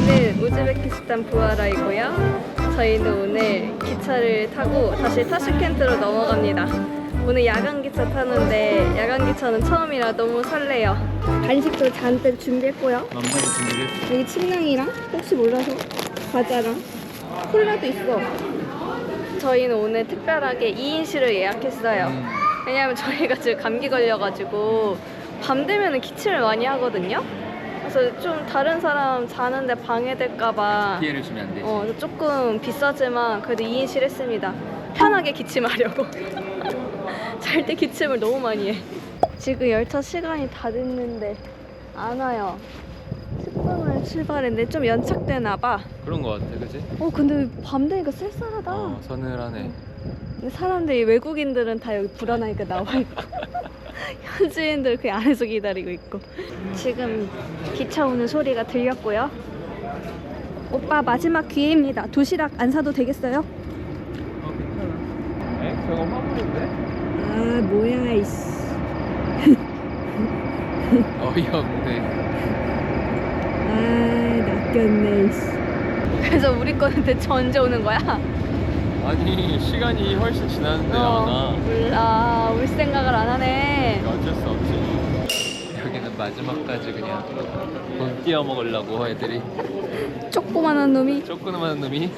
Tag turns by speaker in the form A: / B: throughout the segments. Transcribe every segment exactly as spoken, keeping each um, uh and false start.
A: 여기는 우즈베키스탄 부하라이고요. 저희는 오늘 기차를 타고 다시 타슈켄트로 넘어갑니다. 오늘 야간 기차 타는데 야간 기차는 처음이라 너무 설레요. 간식도 잔뜩 준비했고요.
B: 만만히 준비했어.
A: 여기 침낭이랑 혹시 몰라서 과자랑 콜라도 있어. 저희는 오늘 특별하게 이 인실을 예약했어요.
B: 음.
A: 왜냐면 저희가 지금 감기 걸려가지고 밤 되면 기침을 많이 하거든요. 그래서 좀 다른 사람 자는데 방해될까봐
B: 피해를 주면 안 되지.
A: 어, 조금 비싸지만 그래도 이 인실 했습니다. 편하게 기침하려고. 잘 때 기침을 너무 많이 해. 지금 열차 시간이 다 됐는데 안 와요. 십 분을 출발했는데 좀 연착되나 봐.
B: 그런 거 같아, 그지?
A: 어 근데 밤 되니까 쌀쌀하다.
B: 어, 서늘하네.
A: 근데 사람들이, 외국인들은 다 여기 불안하니까 나와 있고 현지인들 그 안에서 기다리고 있고. 지금 기차 오는 소리가 들렸고요. 오빠 마지막 기회입니다. 도시락 안 사도 되겠어요?
B: 어, 괜찮아. 에? 저거 화물인데?
A: 아 뭐야 이씨.
B: 어이없네.
A: 아 낚였네 이씨. 그래서 우리 거는 대체 언제 오는 거야?
B: 아니, 시간이 훨씬 지났는데 안 와.
A: 몰라, 올 생각을 안 하네.
B: 어쩔 수 없지. 여기는 마지막까지 그냥 돈 띄어 먹으려고 애들이.
A: 조그만한 놈이.
B: 조그만한 놈이.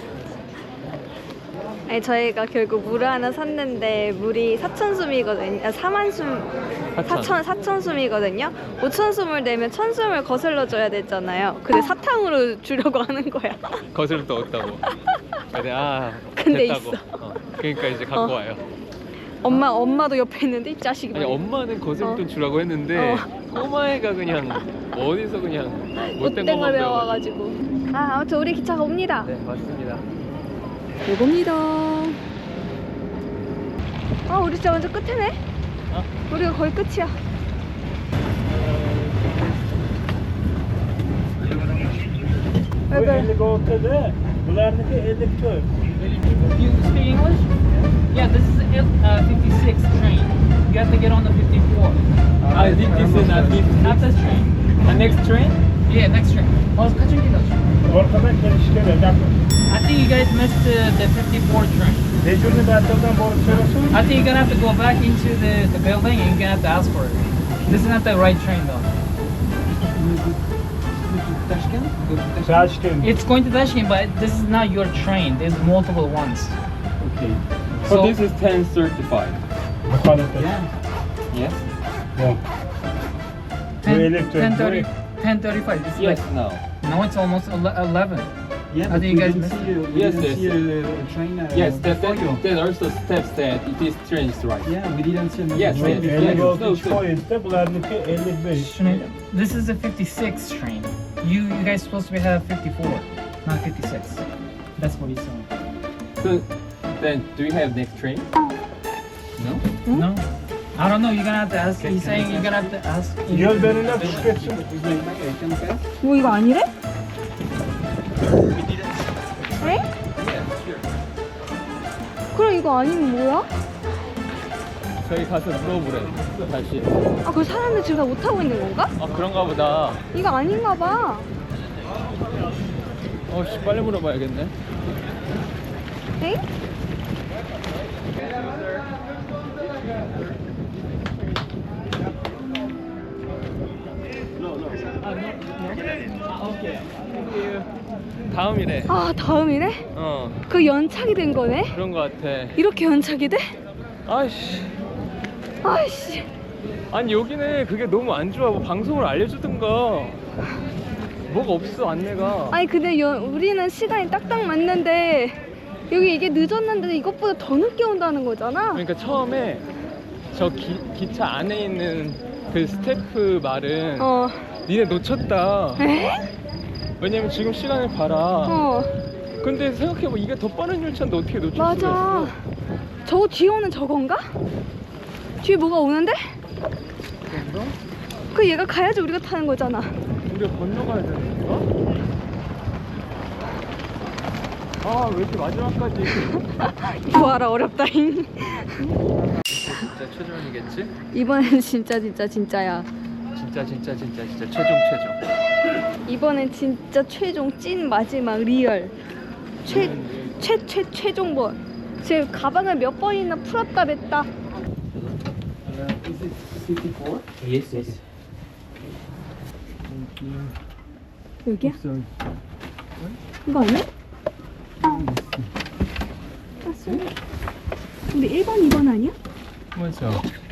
A: 아니 저희가 결국 물을 하나 샀는데 물이 사천 숨이거든요. 아, 사만 숨, 사천 사천 숨이거든요. 오천 숨을 내면 천 숨을 거슬러 줘야 되잖아요. 근데 사탕으로 주려고 하는 거야.
B: 거슬러 또 없다고. 근데 아
A: 근데
B: 됐다고.
A: 있어.
B: 어, 그러니까 이제 갖고
A: 어.
B: 와요.
A: 엄마 엄마도 옆에 있는데 이 자식이.
B: 아니
A: 말이야.
B: 엄마는 거슬돈
A: 어.
B: 주라고 했는데
A: 어.
B: 꼬마애가 그냥 어디서 그냥 못된
A: 못된 걸
B: 것만 배워가지고.
A: 배워가지고. 아 아무튼 우리 기차가 옵니다.
B: 네 맞습니다.
A: 요겁니다. 아 우리 진짜 완전 끝이네.
B: 어?
A: 우리가 거의 끝이야.
C: Bu helikopterde bunlarınki elektrik.
D: You speak English? Yeah, this is uh, fifty-six train. You have to get on the fifty-four.
B: I think this is not
D: Not this train.
B: the next train.
D: Yeah, next train. Oh,
C: Ortadan gelişlere yakın.
D: I think you guys missed uh, the fifty-four train.
C: Dejurlu metrodan boru söylüyorsun.
D: I think you're gonna have to go back into the, the building and you're gonna have to ask for it. This is not the right train though.
C: Şaşkın.
D: It's going to Tashkent, but this is not your train. There's multiple ones.
C: Okay.
B: So
D: So-
B: this is ten thirty-five.
C: Muhalefet.
B: Yes.
C: Yok. Bu elektrik.
D: ten thirty, ten thirty-five. This is
B: Yes.
D: like,
B: Now.
D: no, it's almost ele- eleven.
E: Yeah,
D: I think you guys missed
E: see
D: it.
E: you. We
B: Yes,
E: didn't
B: yes,
E: see
B: yes.
E: a train. Uh,
B: Yes. That
E: before
B: that,
E: you.
B: that also steps that this train is right.
E: Yeah, we didn't see another
B: Yes,
E: train
B: yes,
E: before
B: yes.
E: you.
C: Voltage point'te bunlarınki elli beş.
D: This is a fifty-six train. You you guys supposed to have fifty-four, not fifty-six. That's what he's saying.
B: So then, do you have next train? No.
D: No, I don't know. You're gonna have to ask. He's saying you're gonna have to ask.
C: Yol verenler şükretsin.
A: 뭐 이거 아니래? 에? 그럼 이거 아니면 뭐야?
B: 저희 가서 물어보래. 다시.
A: 아 그 사람들 지금 다 못 타고 있는 건가?
B: 아 그런가 보다.
A: 이거 아닌가 봐.
B: 어씨 빨리 물어봐야겠네.
A: 에?
B: 다음이래.
A: 아 다음이네?
B: 어
A: 그 연착이 된 거네?
B: 그런 거 같아.
A: 이렇게 연착이 돼?
B: 아이씨.
A: 아이씨.
B: 아니 여기는 그게 너무 안 좋아. 뭐 방송을 알려주든가. 뭐가 없어 안내가.
A: 아니 근데 여, 우리는 시간이 딱딱 맞는데 여기 이게 늦었는데 이것보다 더 늦게 온다는 거잖아.
B: 그러니까 처음에 저 기, 기차 안에 있는 그 스태프 말은
A: 어.
B: 니네 놓쳤다.
A: 에?
B: 왜냐면 지금 시간을 봐라.
A: 어.
B: 근데 생각해봐 이게 더 빠른 열차인데 어떻게 놓칠
A: 맞아.
B: 수가 있어?
A: 저거 뒤에 오는 저건가? 뒤에 뭐가 오는데?
B: 그런가?
A: 그 얘가 가야지 우리가 타는 거잖아.
B: 우리가 건너가야 되는 건가? 아 왜 이렇게 마지막까지
A: 구하라 어렵다잉.
B: 진짜 최종이겠지?
A: 이번엔 진짜 진짜 진짜야.
B: 진짜 진짜 진짜 진짜 진짜 최종 최종.
A: 이번엔 진짜 최종 찐 마지막 리얼 최 최 최 최종본. 지금 가방을 몇 번이나 풀었다 맸다.
B: Is it fifty-four? Yes, yes.
A: 여기야?
B: Sorry.
A: 이거 아니야? 아, 쏘리. 근데 일 번, 이 번 아니야?
B: 맞아.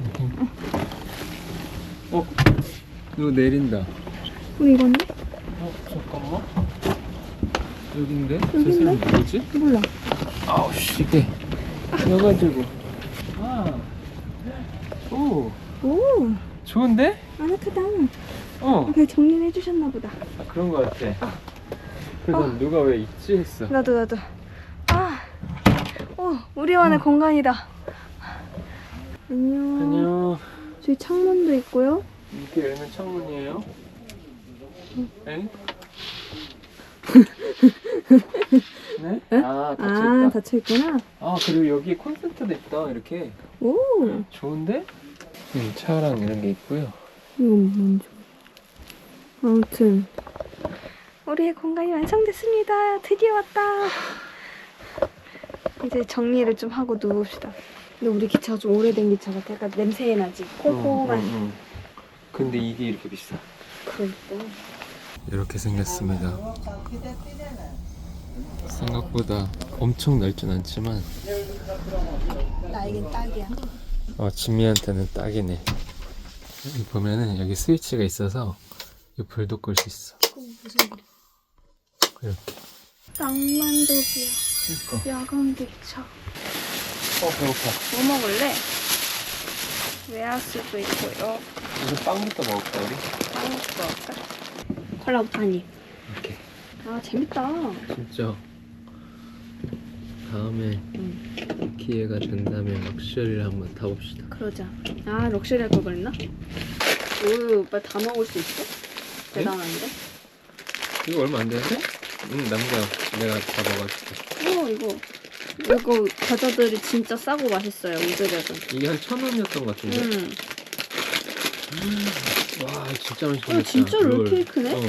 B: 어? 이거 내린다.
A: 우리 이건데?
B: 어? 잠깐만. 여긴데? 저
A: 여긴데?
B: 사람 누구지?
A: 몰라.
B: 아우 씨 이게 여가지고. 아. 오.
A: 오,
B: 좋은데?
A: 아늑하다.
B: 어.
A: 그냥 정리를 해주셨나 보다.
B: 아, 그런 거 같아. 그래서 난 누가 왜 있지 했어.
A: 나도 나도. 아, 오, 우리만의 공간이다. 안녕.
B: 안녕.
A: 저기 창문도 있고요.
B: 이렇게 열면 창문이에요? 엥? 네? 아, 닫혀있다.
A: 아, 닫혀 있구나.
B: 아, 그리고 여기에 콘센트도 있다, 이렇게.
A: 오,
B: 좋은데? 여기 차랑 이런 게 있고요.
A: 이건 뭔지. 아무튼 우리의 공간이 완성됐습니다. 드디어 왔다. 이제 정리를 좀 하고 누웁시다. 근데 우리 기차가 좀 오래된 기차 같아. 약간 냄새 나지. 콩콩한.
B: 응, 응, 응. 근데 이게 이렇게 비싸.
A: 그러니까.
B: 이렇게 생겼습니다. 생각보다 엄청 넓진 않지만
A: 나에겐 딱이야.
B: 어, 진미한테는 딱이네. 여기 보면은 여기 스위치가 있어서 이 불도 끌 수 있어.
A: 무슨 일이야?
B: 이렇게.
A: 낭만적이야.
B: 그러니까.
A: 야간 기차.
B: 어, 배고파.
A: 뭐 먹을래? 웨하스도 있고요.
B: 이거 빵부터 먹을까 우리?
A: 빵부터 먹을까? 콜라부터 한 입.
B: 이렇게.
A: 아, 재밌다.
B: 진짜. 다음에
A: 응.
B: 기회가 된다면 럭셔리를 한번 타봅시다.
A: 그러자. 아, 럭셔리 할 걸 그랬나? 오, 오빠 다 먹을 수 있어? 대단한데?
B: 이거 얼마 안 되는데? 응, 남자. 내가 다 먹어줄게.
A: 오, 이거. 이거 과자들이 진짜 싸고 맛있어요. 우드백은.
B: 이게 한 천 원이었던 것 같은데?
A: 음.
B: 와, 진짜 맛있겠다.
A: 어, 진짜 롤케이크네?
B: 어.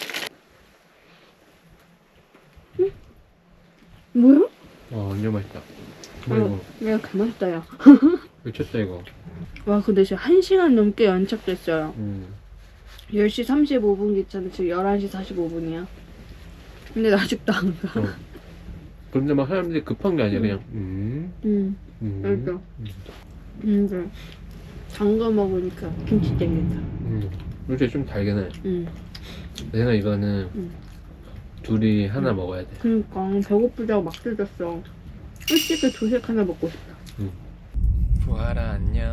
A: 뭐야?
B: 와, 완전 맛있다.
A: 어,
B: 이거
A: 내가 개맛있다, 야.
B: 미쳤다 이거.
A: 와, 근데 지금 한 시간 넘게 연착됐어요.
B: 음.
A: 열 시 삼십오 분 기차인데 지금 열한 시 사십오 분이야. 근데 나 아직도 안 가.
B: 어. 근데 막 사람들이 급한 게 아니야. 그냥 음.
A: 응.
B: 음.
A: 그러니까. 근데 장거 먹으니까 김치 땡긴다.
B: 음. 요새 좀 달긴 해.
A: 응.
B: 내가 이거는
A: 응.
B: 둘이 하나 먹어야 돼.
A: 그러니까 배고프다고 막 뜯었어. 솔직히 조식 하나 먹고 싶다.
B: 부하라 안녕.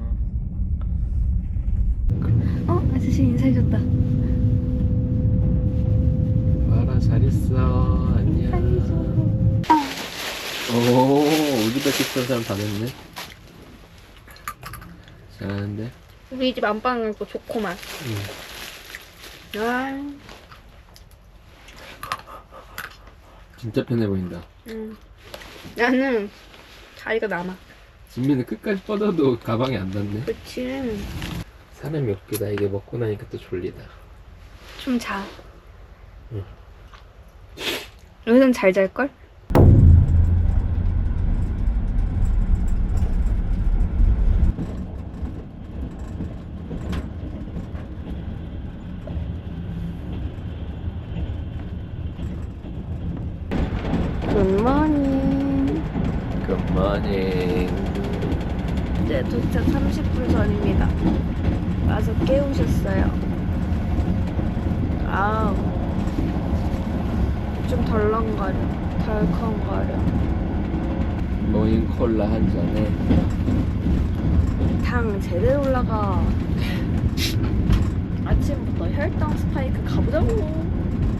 A: 어? 아저씨 인사해줬다.
B: 부하라 잘 있어. 안녕. 오, 우즈베키스탄 사람 다 됐네. 잘하는데.
A: 우리 집 안방은 또 좋구만.
B: 응.
A: 아.
B: 진짜 편해 보인다.
A: 응. 나는 자리가 남아.
B: 진미는 끝까지 뻗어도 가방이 안 닿네.
A: 그치.
B: 사람이 없기다. 이게 먹고 나니까 또 졸리다.
A: 좀 자.
B: 응.
A: 여기는 잘 잘걸? 굿모닝.
B: 굿모닝.
A: 이제 도착 삼십 분 전입니다. 와서 깨우셨어요. 아우. 좀 덜렁거려. 덜컹거려.
B: 모닝 콜라 한 잔에
A: 당 제대로 올라가. 아침부터 혈당 스파이크 가보자고.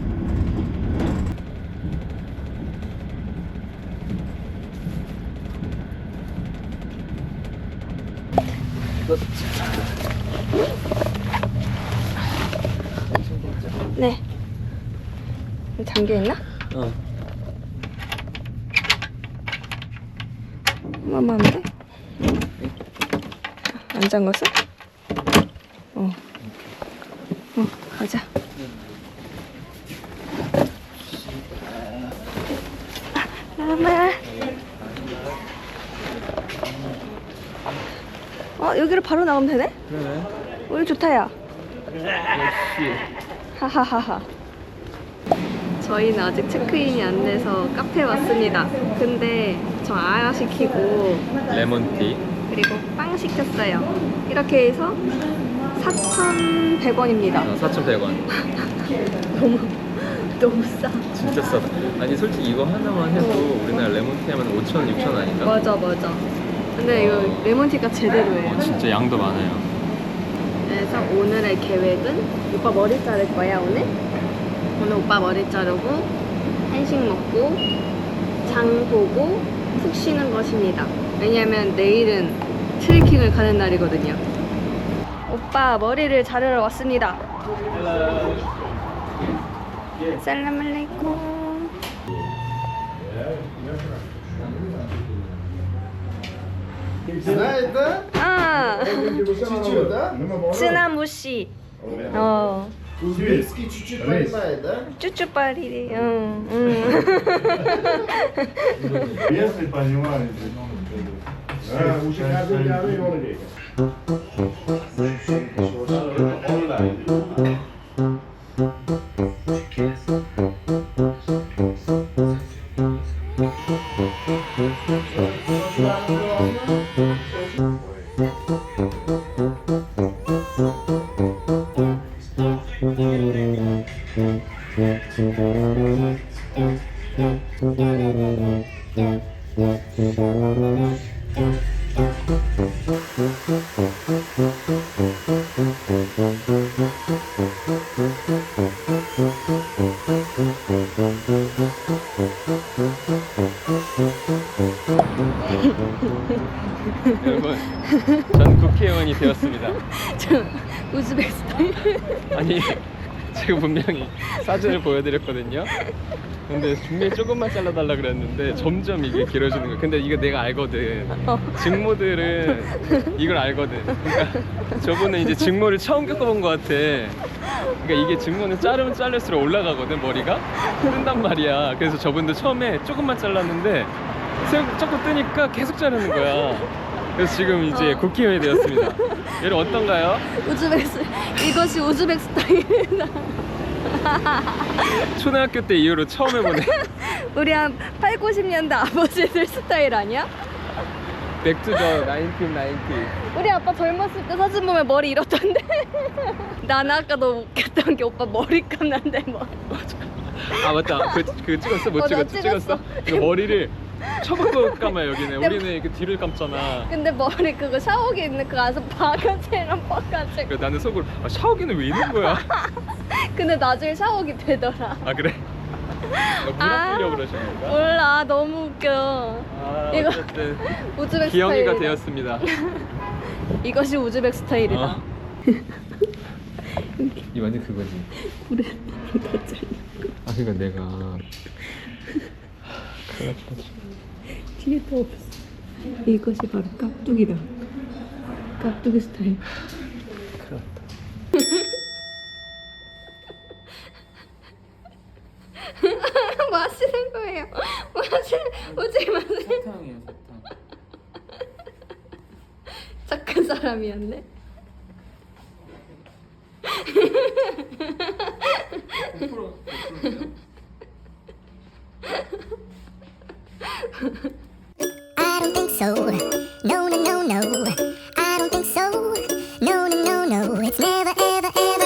A: 네. 잠겨있나?
B: 어.
A: 한번만 하면 돼? 안 잠궜어? 어. 가자. 라마. 어 여기를 바로 나가면 되네?
B: 그러네.
A: 우리 좋다야.
B: 역시.
A: 하하하하. 저희는 아직 체크인이 안 돼서 카페에 왔습니다. 근데 저 아야 시키고
B: 레몬티.
A: 그리고 빵 시켰어요. 이렇게 해서 사천백 원입니다.
B: 어, 사천백 원.
A: 너무 너무 싸.
B: 진짜 싸다. 아니 솔직히 이거 하나만 해도 우리나라 레몬티 하면 오천 원, 육천 원 아닌가?
A: 맞아 맞아. 근데 이거 레몬티가 제대로예요.
B: 어, 진짜 양도 많아요.
A: 그래서 오늘의 계획은 오빠 머리 자를 거야 오늘? 오늘 오빠 머리 자르고 한식 먹고 장 보고 푹 쉬는 것입니다. 왜냐면 내일은 트레킹을 가는 날이거든요. 오빠 머리를 자르러 왔습니다. 살라말레이쿰. 아, 쓰나무씨. 어.
E: Узбекский чуть-чуть понимает, да?
A: 쭈쭈빠리리. 응, 응.
C: Если понимаете.
E: Ha, bu şekerden geldi onu diyor.
B: 여러분, 전 국회의원이 되었습니다.
A: 저 우즈베키스탄.
B: 아니, 제가 분명히 사진을 보여드렸거든요. 근데 분명히 조금만 잘라달라 그랬는데 점점 이게 길어지는 거야. 근데 이거 내가 알거든. 직모들은 이걸 알거든. 그러니까 저분은 이제 직모를 처음 겪어본 것 같아. 그러니까 이게 직모는 자르면 자를수록 올라가거든, 머리가. 뜬단 말이야. 그래서 저분도 처음에 조금만 잘랐는데 생- 조금 뜨니까 계속 자르는 거야. 그래서 지금 이제 국회의원이 되었습니다. 여러분 어떤가요?
A: 우즈베스 이것이 우즈벡 스타일이다.
B: 초등학교 때 이후로 처음 해보네.
A: 우리 한 팔, 구십 년대 아버지들 스타일 아니야?
B: 백투더 나인틴 나인티.
A: 우리 아빠 젊었을 때 사진 보면 머리 이렇던데. 나는 아까 너무 웃겼던 게 오빠 머리 감는데 뭐.
B: 아 맞다. 그, 그 찍었어? 못
A: 어, 나
B: 찍었어?
A: 찍었어.
B: 찍었어? 이거 머리를 처박고 감아 여기는. 우리는 이렇게 뒤를 감잖아.
A: 근데 머리 그거 샤워기 있는 그 안에서 바가지랑 뻐가지고.
B: 그래서 나는 속으로 아, 샤워기는 왜 있는 거야?
A: 근데 나중에 샤워기 되더라.
B: 아 그래? 물 아끼려고 그러신 건가?
A: 몰라 너무 웃겨.
B: 아
A: 이거
B: 어쨌든
A: 우즈벡
B: 기영이가
A: 스타일이다.
B: 되었습니다.
A: 이것이 우즈벡 스타일이다.
B: 어. 이 완전 그거지.
A: 그래 더 잘려.
B: 아 그러니까 내가 큰일 났다.
A: 뒤에 더 없어. 이것이 바로 깍두기다. 깍두기 스타일.
B: 큰일 났다.
A: 뭐 하시는 거예요? 뭐 하시는 오지 마세요.
B: 사탕이에요 사탕.
A: 착한 사람이었네.
F: I don't think so. No, no, no, no. I don't think so. No, no, no, no. It's never, ever, ever.